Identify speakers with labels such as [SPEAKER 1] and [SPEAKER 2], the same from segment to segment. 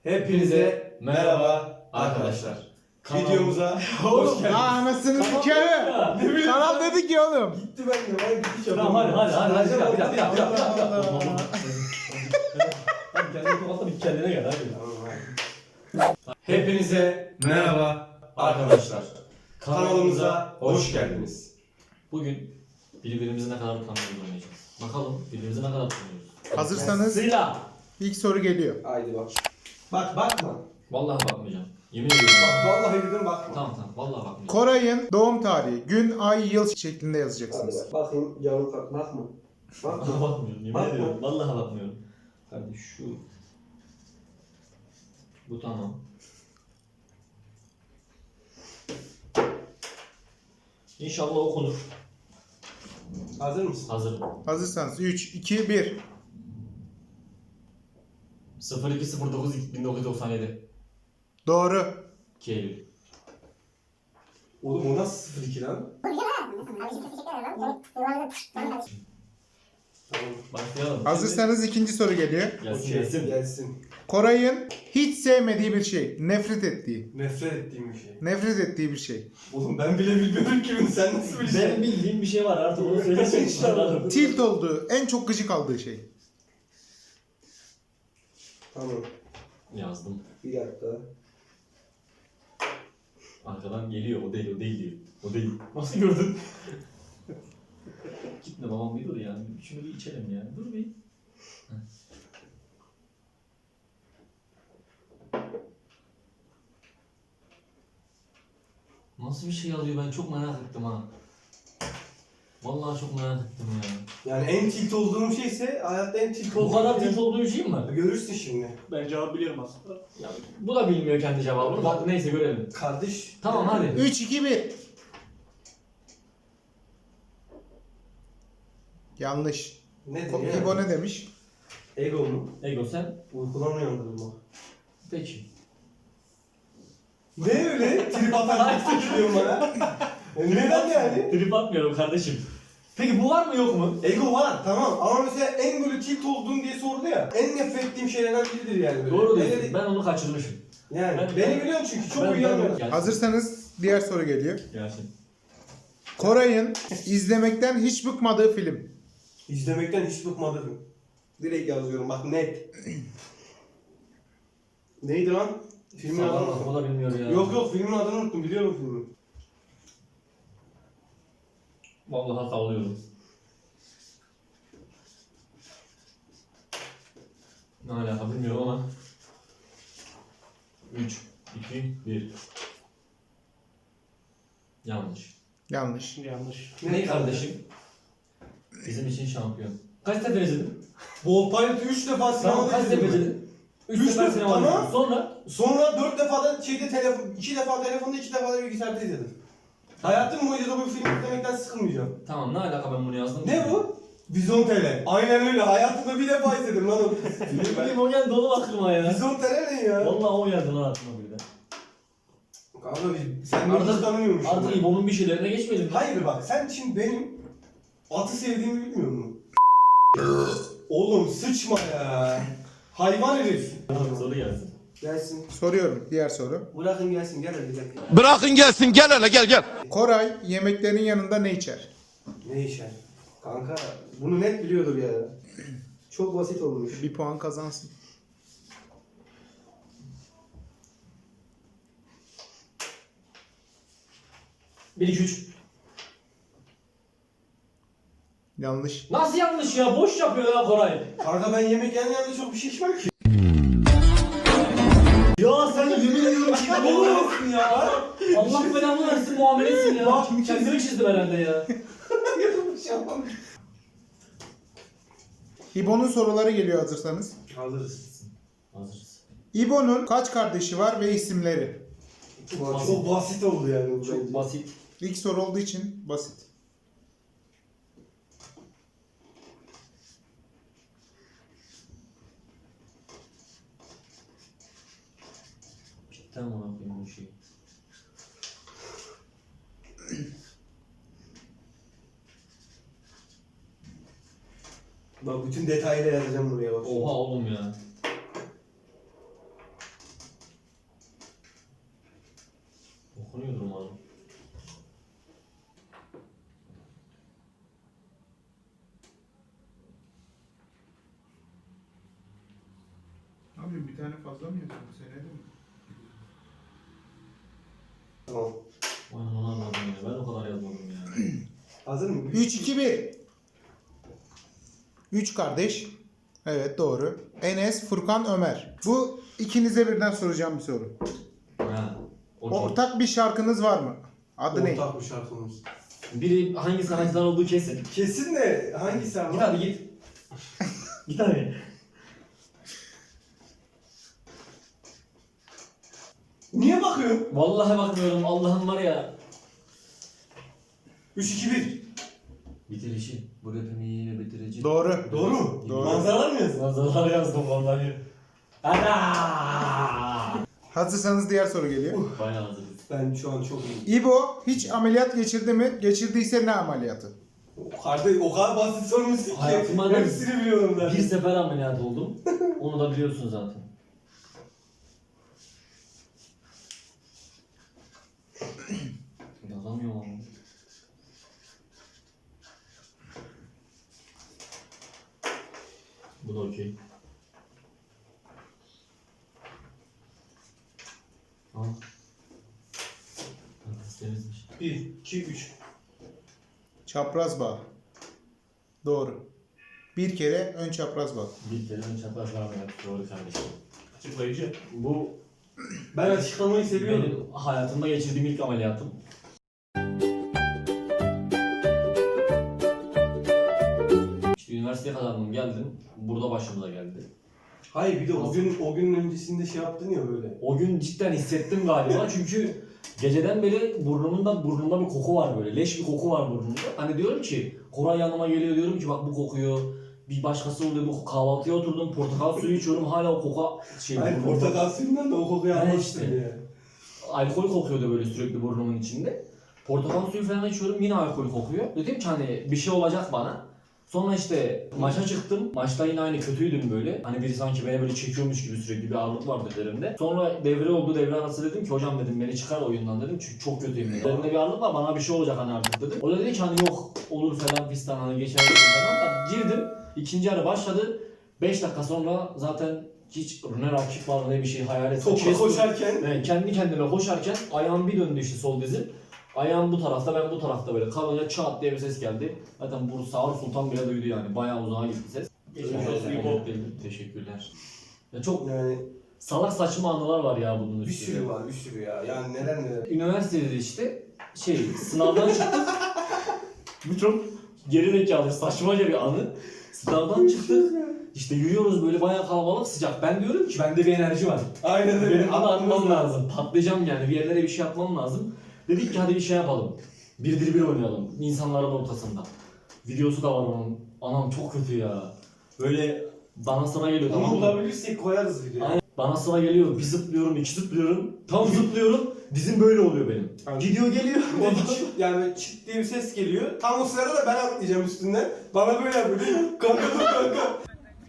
[SPEAKER 1] Hepinize merhaba arkadaşlar. Videomuza hoş geldiniz.
[SPEAKER 2] Anasını sikerim. Kanal dedik ya oğlum.
[SPEAKER 1] Gitti ben de. Ben gitti çabuk.
[SPEAKER 3] Tamam hadi. Bir dakika.
[SPEAKER 2] Allah.
[SPEAKER 3] Hadi kendini tokatla bir kendine gel hadi.
[SPEAKER 1] Hepinize merhaba arkadaşlar. Kanalımıza hoş geldiniz.
[SPEAKER 3] Bugün birbirimizi ne kadar tanıyoruz oynayacağız. Bakalım birbirimizi ne kadar tanıyoruz.
[SPEAKER 2] Hazırsanız
[SPEAKER 3] Sıra.
[SPEAKER 2] ilk soru geliyor.
[SPEAKER 1] Haydi bak. Bak bakma.
[SPEAKER 3] Vallahi bakmayacağım. Yemin ediyorum.
[SPEAKER 1] Bak vallahi dedim bakma.
[SPEAKER 3] Tamam. Vallahi bakmayacağım.
[SPEAKER 2] Koray'ın doğum tarihi, gün, ay, yıl şeklinde
[SPEAKER 1] Hadi
[SPEAKER 2] yazacaksınız.
[SPEAKER 1] bak. Bakayım canım kalk. Bakma.
[SPEAKER 3] Vallahi
[SPEAKER 1] Bakma.
[SPEAKER 3] bakmıyorum. Yemin
[SPEAKER 1] Bakma.
[SPEAKER 3] ediyorum. Vallahi bakmıyorum. Hadi şu. Bu tamam. İnşallah okunur.
[SPEAKER 1] Hazır mısın?
[SPEAKER 3] Hazırım.
[SPEAKER 2] Hazırsanız 3, 2, 1.
[SPEAKER 3] 02.09.1997
[SPEAKER 2] Doğru.
[SPEAKER 3] 2 Eylül.
[SPEAKER 1] Oğlum o nasıl 02 lan? Tamam.
[SPEAKER 3] Başlayalım.
[SPEAKER 2] Hazırsanız ikinci soru geliyor.
[SPEAKER 3] Gelsin.
[SPEAKER 1] Gelsin.
[SPEAKER 2] Koray'ın hiç sevmediği bir şey, nefret ettiği.
[SPEAKER 1] Nefret ettiğim bir şey.
[SPEAKER 2] Nefret ettiği bir şey.
[SPEAKER 1] Oğlum ben bile bilmiyorum ki bunu. Sen nasıl
[SPEAKER 3] Benim
[SPEAKER 1] bileceksin?
[SPEAKER 3] bildiğim bir şey var artık onu söylesin işte.
[SPEAKER 2] Tilt olduğu, en çok gıcık aldığı şey.
[SPEAKER 1] Tamam.
[SPEAKER 3] Yazdım.
[SPEAKER 1] Bir dakika.
[SPEAKER 3] Arkadan geliyor. O değil diyor. O değil. Nasıl gördün? Gitme babam bir dur ya. Şunu bir içelim ya. Dur bir. Heh. Nasıl bir şey alıyor ben çok merak ettim ha. Vallahi çok merak ettim ya.
[SPEAKER 1] Yani en tilt olduğum şeyse hayatta en tilt
[SPEAKER 3] Bu
[SPEAKER 1] olduğum
[SPEAKER 3] kadar
[SPEAKER 1] şey.
[SPEAKER 3] tilt olduğu bir şey mi?
[SPEAKER 1] Görürsün şimdi.
[SPEAKER 4] Ben cevabı biliyorum aslında.
[SPEAKER 3] Ya, bu da bilmiyor kendi cevabını. Bak neyse görelim.
[SPEAKER 1] Kardeş.
[SPEAKER 3] Tamam hadi.
[SPEAKER 2] 3, 2, 1. Yanlış.
[SPEAKER 1] Ne dedi
[SPEAKER 2] İbo ne demiş?
[SPEAKER 1] Ego mu?
[SPEAKER 3] Ego sen.
[SPEAKER 1] Uykudan uyandırılma.
[SPEAKER 3] Peki.
[SPEAKER 1] Ne öyle? Trip atarak tutuyorum bana. Neden yani?
[SPEAKER 3] Trip atmıyorum kardeşim. Peki bu var mı yok mu?
[SPEAKER 1] Ego var tamam ama mesela en böyle tilt olduğun diye sordu ya. En nefret ettiğim şeylerden biridir yani. Böyle.
[SPEAKER 3] Doğru
[SPEAKER 1] Ne
[SPEAKER 3] diyorsun.
[SPEAKER 1] dedi?
[SPEAKER 3] Ben onu kaçırmışım.
[SPEAKER 1] Yani
[SPEAKER 3] Ben-
[SPEAKER 1] beni biliyorsun çünkü çok
[SPEAKER 3] Ben-
[SPEAKER 1] uyuyamıyorum.
[SPEAKER 3] Gelsin.
[SPEAKER 2] Hazırsanız diğer soru geliyor.
[SPEAKER 3] Gelsin.
[SPEAKER 2] Koray'ın izlemekten hiç bıkmadığı film.
[SPEAKER 1] İzlemekten hiç bıkmadım. Direkt yazıyorum bak net. Neydi lan? Filmin adını
[SPEAKER 3] Sallama, o
[SPEAKER 1] unuttum.
[SPEAKER 3] da bilmiyor ya.
[SPEAKER 1] Yok filmin adını unuttum biliyorum filmi.
[SPEAKER 3] Vallahi sallıyorum. Ne alaka bilmiyorum ama. 3, 2, 1. Yanlış.
[SPEAKER 2] Yanlış.
[SPEAKER 4] Yanlış.
[SPEAKER 3] Ne kardeşim? Bizim için şampiyon. Kaç sefer izledin?
[SPEAKER 1] Ball Pilot'u 3 defa
[SPEAKER 3] Tamam
[SPEAKER 1] sinemada
[SPEAKER 3] kaç sefer
[SPEAKER 1] izledim.
[SPEAKER 3] izledin? 3
[SPEAKER 1] Üç
[SPEAKER 3] sefer
[SPEAKER 1] defa,
[SPEAKER 3] sinemada
[SPEAKER 1] tamam.
[SPEAKER 3] izledin. Sonra?
[SPEAKER 1] Sonra 4 defa da telefon, 2 defa telefonda 2 defa da bilgisayarda izledim. Hayatım boyunca da bu film izlemekten sıkılmayacağım.
[SPEAKER 3] Tamam ne alaka ben bunu yazdım?
[SPEAKER 1] Ne bu? Vizontele. Aynen öyle. Hayatımda bir defa izledim lan o filmi ben.
[SPEAKER 3] Bilmiyorum o geldi dolu aklıma ya.
[SPEAKER 1] Vizontele ne ya?
[SPEAKER 3] Vallahi o geldi lan aklıma bir de.
[SPEAKER 1] Kanka sen beni hiç tanımıyormuşsun.
[SPEAKER 3] Artık İbo'nun bir şeylerine geçmedim.
[SPEAKER 1] Hayır bak sen şimdi benim atı sevdiğimi bilmiyor musun? Oğlum sıçma ya. Hayvan herif.
[SPEAKER 3] Soru gelsin.
[SPEAKER 1] Gelsin.
[SPEAKER 2] Soruyorum diğer soru.
[SPEAKER 1] Bırakın gelsin gel hadi gel.
[SPEAKER 5] Bırakın gelsin gel hele gel.
[SPEAKER 2] Koray yemeklerin yanında ne içer?
[SPEAKER 1] Ne işe? Kanka bunu net biliyordur ya. Çok basit olmuş.
[SPEAKER 2] Bir puan kazansın.
[SPEAKER 3] Bir iki üç.
[SPEAKER 2] Yanlış.
[SPEAKER 3] Nasıl yanlış ya? Boş yapıyor ya Koray.
[SPEAKER 1] Kanka ben yemek yanında çok bir şey içmem ki.
[SPEAKER 3] Ya sen yemin ediyorum ki ne oluyorsun ya? Allah belanı versin muamelesin ya.
[SPEAKER 1] Bak,
[SPEAKER 3] Kendimi çizdim herhalde ya.
[SPEAKER 2] İbo'nun soruları geliyor hazırsanız.
[SPEAKER 1] Hazırız.
[SPEAKER 3] Hazırız.
[SPEAKER 2] İbo'nun kaç kardeşi var ve isimleri?
[SPEAKER 1] Çok basit oldu yani bu
[SPEAKER 3] Çok
[SPEAKER 1] bence.
[SPEAKER 3] basit.
[SPEAKER 2] İlk soru olduğu için basit.
[SPEAKER 3] Cidden bana koyayım bu şeyi.
[SPEAKER 1] Bak bütün detaylı yazacağım buraya bak.
[SPEAKER 3] Oha oğlum ya.
[SPEAKER 2] yapıyorsun? Bir tane fazla mı yazıyorsun? Senede mi?
[SPEAKER 1] Tamam.
[SPEAKER 3] Vay anam ya. Ben o kadar yazmadım ya.
[SPEAKER 1] Hazır mı?
[SPEAKER 2] 3, 2, 1. 3 kardeş. Evet doğru. Enes, Furkan, Ömer. Bu ikinize birden soracağım bir soru.
[SPEAKER 3] Ha. Okey.
[SPEAKER 2] Ortak bir şarkınız var mı? Adı ne?
[SPEAKER 1] Ortak bir şarkımız.
[SPEAKER 3] Biri hangi sanatçıdan olduğu kesin.
[SPEAKER 1] Kesin de hangisi ama?
[SPEAKER 3] Git hadi git. Git hadi.
[SPEAKER 1] Niye bakıyorsun?
[SPEAKER 3] Vallahi bakmıyorum. Allah'ım var ya.
[SPEAKER 1] 3, 2, 1.
[SPEAKER 3] Bitirişi. Bu rapimi yine bitireceğim.
[SPEAKER 2] Doğru.
[SPEAKER 1] Doğru mu?
[SPEAKER 2] Doğru.
[SPEAKER 1] Manzaralar mı yazdın?
[SPEAKER 3] Manzaralar yazdım vallahi. Ana!
[SPEAKER 2] Hazırsanız diğer soru geliyor.
[SPEAKER 3] Bayağı hazırız.
[SPEAKER 1] Ben şu an çok iyiyim.
[SPEAKER 2] İbo hiç ameliyat geçirdi mi? Geçirdiyse ne ameliyatı?
[SPEAKER 1] Kardeş o kadar basit sormuşsun ki.
[SPEAKER 3] Hayatıma da-
[SPEAKER 1] Hepsini biliyorum ben.
[SPEAKER 3] Bir sefer ameliyat oldum. Onu da biliyorsun zaten. Yazamıyorum ama. Bu da okey. Al. Arkası temizmiş.
[SPEAKER 1] 1, 2, 3.
[SPEAKER 2] Çapraz bağ. Doğru. Bir kere ön çapraz bağ.
[SPEAKER 3] Bir kere ön çapraz ameliyat. Doğru kardeşim.
[SPEAKER 1] Açıklayıcı.
[SPEAKER 3] Bu
[SPEAKER 1] Ben açıklamayı seviyorum.
[SPEAKER 3] benim hayatımda geçirdiğim ilk ameliyatım. İşte üniversiteye kazandım geldim. Burada başımıza geldi.
[SPEAKER 1] Hayır bir de o günün öncesinde şey yaptın ya böyle.
[SPEAKER 3] O gün cidden hissettim galiba çünkü geceden beri burnumda bir koku var böyle. Leş bir koku var burnumda. Hani diyorum ki Koray yanıma geliyor diyorum ki bak bu kokuyor. Bir başkası oluyor bu kahvaltıya oturdum portakal suyu içiyorum hala o koku
[SPEAKER 1] Hayır
[SPEAKER 3] burnumda.
[SPEAKER 1] portakal suyundan da o kokuyu
[SPEAKER 3] Yani
[SPEAKER 1] almıştın
[SPEAKER 3] işte.
[SPEAKER 1] ya.
[SPEAKER 3] Alkol kokuyordu böyle sürekli burnumun içinde. Portakal suyu falan içiyorum yine alkol kokuyor. Dedim ki hani bir şey olacak bana. Sonra işte maça çıktım. Maçta yine aynı kötüydüm böyle. Hani biri sanki beni böyle çekiyormuş gibi sürekli bir ağırlık vardı üzerimde. Sonra devre oldu devre arası dedim ki hocam dedim beni çıkar oyundan dedim çünkü çok kötüyüm dedim. Üzerimde bir ağırlık var bana bir şey olacak hani artık dedim. O da dedi ki hani yok olur falan fistan hani geçer falan da girdim. İkinci yarı başladı. 5 dakika sonra zaten hiç ne rakip var ne bir şey hayal ettim.
[SPEAKER 1] Topa koşarken
[SPEAKER 3] Yani kendi kendime koşarken ayağım bir döndü işte sol dizim. Ayağım bu tarafta ben bu tarafta böyle kalınca çat diye bir ses geldi. Zaten bu Sağır Sultan bile duydu yani bayağı uzağa gitti ses.
[SPEAKER 1] Geçmiş olsun.
[SPEAKER 3] Teşekkürler. Ya çok
[SPEAKER 1] yani
[SPEAKER 3] salak saçma anılar var ya bunun
[SPEAKER 1] bir
[SPEAKER 3] üstünde.
[SPEAKER 1] sürü var bir sürü ya. Yani neler neler.
[SPEAKER 3] Üniversitede işte sınavdan çıktık. Bu çok geri zekalı saçmaca bir anı. Sınavdan çıktık. İşte yürüyoruz böyle bayağı kalabalık sıcak. Ben diyorum ki bende bir enerji var.
[SPEAKER 1] Aynen öyle.
[SPEAKER 3] Benim bunu atmam lazım. Patlayacağım yani. Bir yerlere bir şey yapmam lazım. Dedik ki hadi bir şey yapalım. 1-1-1 oynayalım. İnsanların ortasında. Videosu da var onun. Anam çok kötü ya. Böyle bana sıra geliyor
[SPEAKER 1] Onu
[SPEAKER 3] tamam mı?
[SPEAKER 1] bulabilirsek koyarız videoya.
[SPEAKER 3] Aynen. Bana sıra geliyor. Bir zıplıyorum, iki zıplıyorum. Tam zıplıyorum. Dizim böyle oluyor benim.
[SPEAKER 1] Aynen.
[SPEAKER 3] Gidiyor geliyor.
[SPEAKER 1] Yani çıt diye bir ses geliyor. Tam o sırada da ben atlayacağım üstünden. Bana böyle yapıyor. Kanka dur kanka.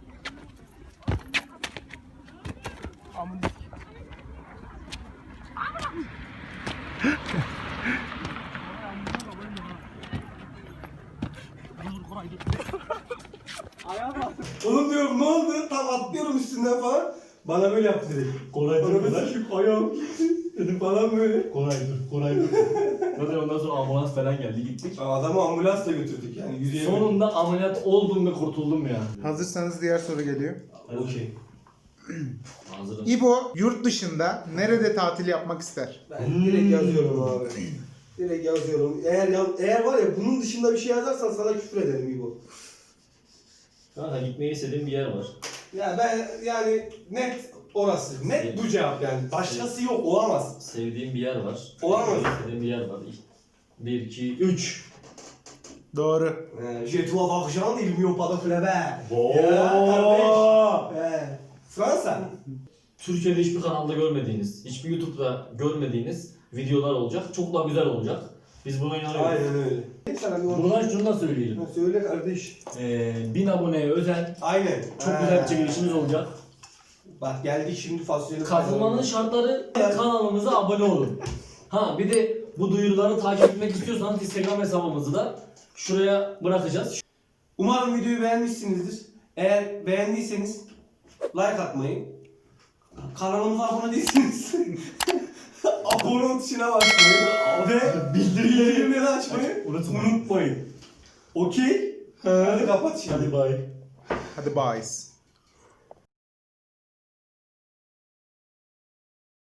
[SPEAKER 1] Oğlum diyorum ne oldu? Tam atlıyorum üstünden falan. Bana böyle yaptı direkt.
[SPEAKER 3] Kolay
[SPEAKER 1] Bana böyle çekip ayağım gitti. Dedim falan böyle.
[SPEAKER 3] Kolay dur. Zaten ondan sonra ambulans falan geldi gittik.
[SPEAKER 1] Adamı ambulansla götürdük yani yürüyemedim.
[SPEAKER 3] Sonunda ameliyat oldum ve kurtuldum ya.
[SPEAKER 2] Hazırsanız diğer soru geliyor.
[SPEAKER 1] Okey.
[SPEAKER 3] Hazırım.
[SPEAKER 2] İbo yurt dışında nerede tatil yapmak ister?
[SPEAKER 1] Ben direkt yazıyorum abi. Direkt yazıyorum. Eğer var ya bunun dışında bir şey yazarsan sana küfür ederim İbo.
[SPEAKER 3] Kanka gitmeyi istediğim bir yer var.
[SPEAKER 1] Ya ben yani net orası. Net bu cevap yani. Başkası yok olamaz.
[SPEAKER 3] Sevdiğim bir yer var.
[SPEAKER 1] Olamaz.
[SPEAKER 3] Sevdiğim bir yer var. 1, 2, 3.
[SPEAKER 2] Doğru.
[SPEAKER 1] Je dois l'argent, il mieux pas de flebe.
[SPEAKER 3] Oo.
[SPEAKER 1] Ya kardeş. Fransa.
[SPEAKER 3] Türkiye'de hiçbir kanalda görmediğiniz, hiçbir YouTube'da görmediğiniz videolar olacak. Çok daha güzel olacak. Biz buna inanıyoruz.
[SPEAKER 1] Aynen öyle. Sana bir
[SPEAKER 3] Buradan şunu da söyleyelim.
[SPEAKER 1] Söyle kardeş.
[SPEAKER 3] 1000 aboneye özel
[SPEAKER 1] Aynen.
[SPEAKER 3] çok güzel bir çekilişimiz olacak.
[SPEAKER 1] Bak geldik şimdi fasulyeli.
[SPEAKER 3] Katılmanın şartları kanalımıza abone olun. Ha bir de bu duyuruları takip etmek istiyorsanız Instagram hesabımızı da şuraya bırakacağız.
[SPEAKER 1] Umarım videoyu beğenmişsinizdir. Eğer beğendiyseniz like atmayı, Kanalımıza abone değilsiniz. Abone ol tuşuna basmayı ve bildirimleri açmayı unutmayın. Okey? Hadi kapat şimdi.
[SPEAKER 3] Hadi bay.
[SPEAKER 2] Hadi bye.